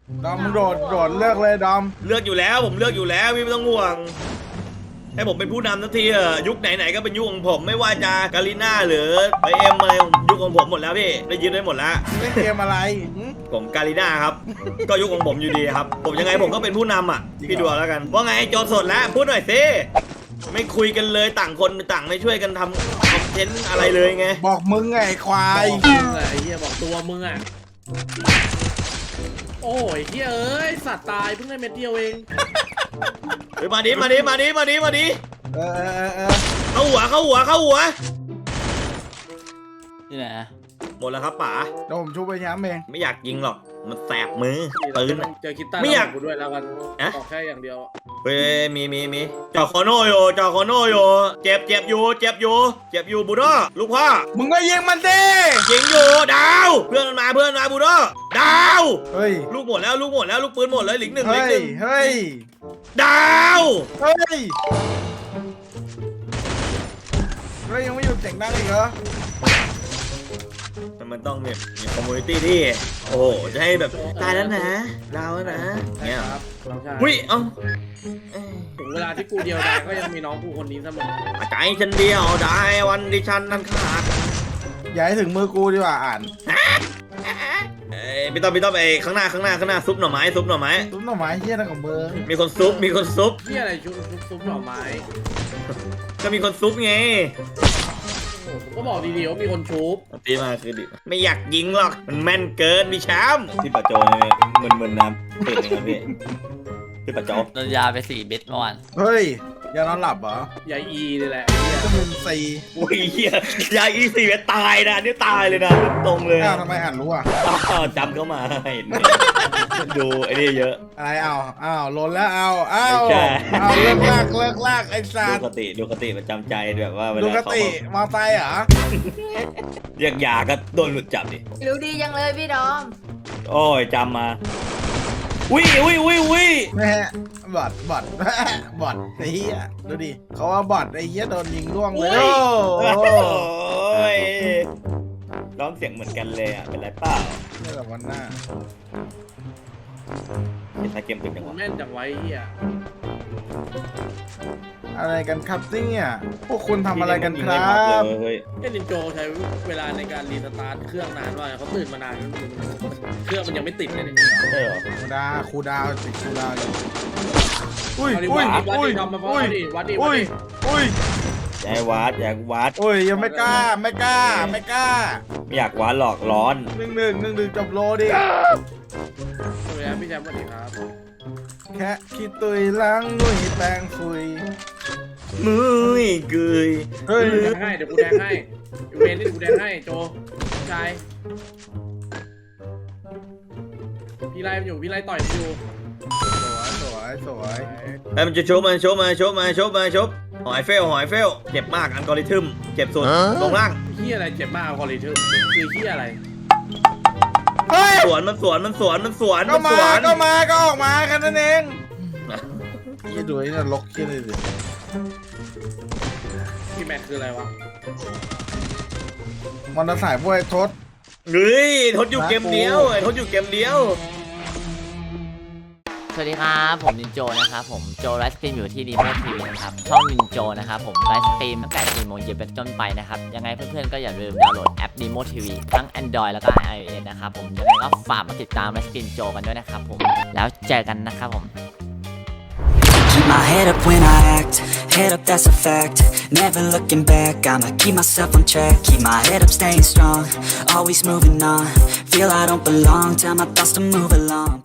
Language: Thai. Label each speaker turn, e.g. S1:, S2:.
S1: ดอมมึงโดดเลือกเลยดอม
S2: เลือกอยู่แล้วผมเลือกอยู่แล้วพี่ไม่ต้องห่วงให้ผมเป็นผู้นำทันทียุคไหนๆก็เป็นยุคของผมไม่ว่าจะกาลิน่าหรือไอเอ็มอะไรยุคของผมหมดแล้วพี่ได้ยึดได้หมดแล้ว
S1: เล่นเกมอะไร
S2: ผมกาลิน่าครับ ก็ยุคของผมอยู่ดีครับผมยังไงผมก็เป็นผู้นำอ่ะพี่ดูแล้วกันว่าไงโจสดแล้วพูดหน่อยสิไม่คุยกันเลยต่างคนต่างไม่ช่วยกันทำคอนเทนต์อะไรเลยไง
S1: บอกมึงไงควาย
S3: บอกมึงไงไอ้เหี้ยบอกตัวมึงอ่ะโอ้ยเหี้ยเอ้ยสัตว์ตายเพิ่งได้เม็ดเดียวเอง
S2: เฮ้ยมาดิ
S1: เออ
S2: เข้าหัว
S4: นี่ไหน
S2: หมดแล้วครับป๋า
S1: เดี๋ยวผมชุบไปย้ำเอง
S2: ไม่อยากยิงหรอกมันแสบมือปืน
S3: เจอคิตต้า
S2: ไม่อยาก
S3: กูด้วยแล้วกันบอกแค่อย่างเดียว
S2: เฮ้ยมีจอคอโนโยเจ็บอยู่บูโดลูกพ่อ
S1: มึงก็ยิงมันสิ
S2: ยิงอยู่ดาวเพื่อนมาบูโดดาว
S1: เฮ้ย
S2: ลูกหมดแล้วลูกปืนหมดเลยหลิงหนึ่ง
S1: เฮ้ย
S2: ดาว
S1: เฮ้ยยังไม่หยุดเสียงดังอีกเหรอ
S2: มันต้องมีคอมมูนิตี้ที่โอ้จะให้แบบตายแล้วนะดาวแล้วนะเนี่ยหุ้ย
S3: ถึงเวลาที่กูเดียวได้ก็ยังมีน้องกูคนนี้เสมอ
S2: ใจฉันเดียวได้วันดิฉันนั้นขาด
S1: อย่าให้ถึงมือกูดีกว่าอ่าน
S2: พี่ต้อมไอ้ข้างหน้าซุปหน่อไม้
S1: ซุปหน่อไม้เฮี้ยนั่นของมึง
S2: มีคนซุป
S3: เฮี้ยอะไรซุปหน่อไม้
S2: ก็มีคนซุปไง
S3: ก็บอกดีๆว่ามีคนชุบ
S2: ตีมาคือดิไม่อยากยิงหรอกมันแม่นเกินพี่แชมป์พี่ปัจโจมึนน้ำตื่นยังไงพี่ปัจโจ
S4: โดนยาไป4 เม็ดเมื่อวาน
S1: เฮ้ยยานอนหลับเหร
S3: อยาอีนี่แหละ
S1: ก็เป็นซี
S2: โอ้ยเฮียยาอี4 เม็ดตายนะนี่ตายเลยนะตรงเลย
S1: ทำไมอ่านรู้อ่ะ
S2: จำเข้ามาเห็นดูไอ้นี่เยอะ
S1: อะไรล้นแล้วเลิกลากไอ้สัตว์
S2: ดูคติประจำใจแบบว่าเวลา
S1: ดูคติมาไฟเหรอ
S2: เรียกยาก็โดนหลุดจับดิ
S5: รู้ดียังเลยพี่ดอม
S2: โอ้ยจำมาวิ
S1: แม่บอดไอ้เหี้ยดูดิเขาว่าบอดไอ้เหี้ยโดนยิงร่วงเลย
S2: โอ้ยร้องเสียงเหมือนกันเลยอ่ะเป็นไรเปล่า
S1: นี่แหละวันหน้า
S2: เกมเป็นยังไง
S3: แม่นจังไว้เหี้ย
S1: อะไรกันครับเนี่ยพวกคุณทำอะไรกันครับ
S3: นินโจใช้เวลาในการรีสตาร์ทเครื่องนานว่าเขาตื่นมานานเครื่องมันยังไม่ติดเลยเนี่ย
S2: ใช่เหรอ
S1: ครูดาวติดครูดาวอยู่อุ้ย
S2: อย่าวัด
S1: อุ้ยยังไม่กล้าไม่
S2: อยากวัดหลอกร้อน
S1: 1-1จบโลดิ
S3: สวัสดีครับพี่แชมป์สวัสดีครับ
S1: แค่คิดตุยล้างนุ่ยแปงฟุย
S2: มือเกย
S3: เฮ้ยเดี๋ยวกูแดงให้เวนนี่กูแดงให้โจชายพี่ไล่อยู่พี่ไล่ต่อยอยู่
S1: สวย
S2: ไอ้มันจะโชว์มาหอยเฟลเจ็บมากอัลกอริทึมเจ็บสุดตรงล่าง
S3: ที่อะไรเจ็บมากอัลกอริทึมคือที่อะไร
S2: สวนก็
S1: ออกมากันนั่นเองยี่ดูนี่นะล็อกขี้เลยดิ
S3: พี่แม็กคืออะไรวะ
S1: มันจะสายพวกทศ
S2: ทดอยู่เกมเดียว
S4: สวัสดีครับผมนินโจนะครับผมโจไลฟ์สตรีมอยู่ที่ดีโมทีวีนะครับช่องนินโจนะครับผมไลฟ์สตรีมตั้งแต่4 โมงเย็นเป็นต้นไปนะครับยังไงเพื่อนๆก็อย่าลืมดาวน์โหลดแอปดีโมทีวีทั้ง Android แล้วก็ iOS นะครับผมยังไงก็ฝากมาติดตามไลฟ์สตรีมโจกันด้วยนะครับผมแล้วเจอกันนะครับผม
S6: Keep my head up when I act, head up that's a fact. Never looking back, I'ma keep myself on track. Keep my head up staying strong, always moving on. Feel I don't belong, tell my thoughts to move along.